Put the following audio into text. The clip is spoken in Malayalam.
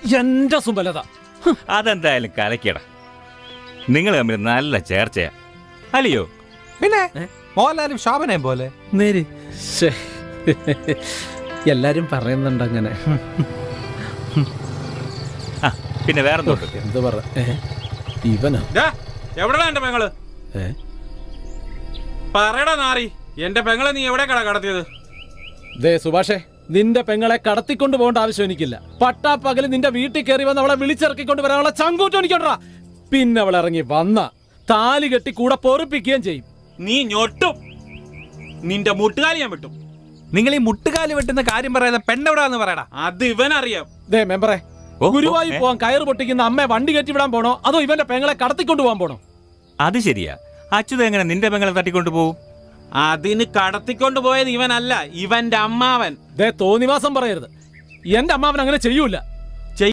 എന്റെ സുബലത. അതെന്തായാലും കലക്കിയടാ. നിങ്ങൾ തമ്മിൽ നല്ല ചേർച്ചയാ അല്ലയോ? പിന്നെ മോഹൻലാലും ശോഭനയും പോലെ. നേര് എല്ലാരും പറയുന്നുണ്ട് അങ്ങനെ. പിന്നെ വേറെന്തോട്ട് എന്ത് പറ ഇവനാ എവിടെടാ എന്റെ പെങ്ങള്? പറയടാ നാറി, എന്റെ പെങ്ങളെ നീ എവിടെ കടത്തിയത്? ദേ സുഭാഷേ, നിന്റെ പെങ്ങളെ കടത്തിക്കൊണ്ട് പോകേണ്ട ആവശ്യം എനിക്കില്ല. പട്ടാപ്പകല് നിന്റെ വീട്ടിൽ കയറി വന്ന് അവളെ വിളിച്ചിറക്കിക്കൊണ്ട് വരാനുള്ള ചങ്കൂറ്റം എനിക്കുണ്ടാ. പിന്നെ അവൾ ഇറങ്ങി വന്ന താലി കെട്ടി കൂടെ പൊറുപ്പിക്കുകയും ചെയ്യും. നീ ഞൊട്ടും, നിന്റെ മുട്ടുകാലി ഞാൻ വിട്ടും. നിങ്ങൾ ഈ മുട്ടുകാലി വെട്ടുന്ന കാര്യം പറയാതെ പെണ്ണെവിടാന്ന് പറയടാ. അത് ഇവനറിയാം. ദേ മെമ്പറെ, ഗുരുവായൂർ പോവാൻ കയറ് പൊട്ടിക്കുന്ന അമ്മയെ വണ്ടി കയറ്റി വിടാൻ പോണോ അതോ ഇവന്റെ പെങ്ങളെ കടത്തിക്കൊണ്ട് പോകാൻ പോണോ? അത് ശരിയാ. അച്യുത എങ്ങനെ നിന്റെ പെങ്ങളെ തട്ടിക്കൊണ്ട് പോവും? അതിന് കടത്തിക്കൊണ്ട് പോയത് ഇവനല്ല, ഇവന്റെ അമ്മാവൻ. ദേ തോന്നിവാസം പറയരുത്. എന്റെ അമ്മാവൻ അങ്ങനെ ചെയ്യൂല.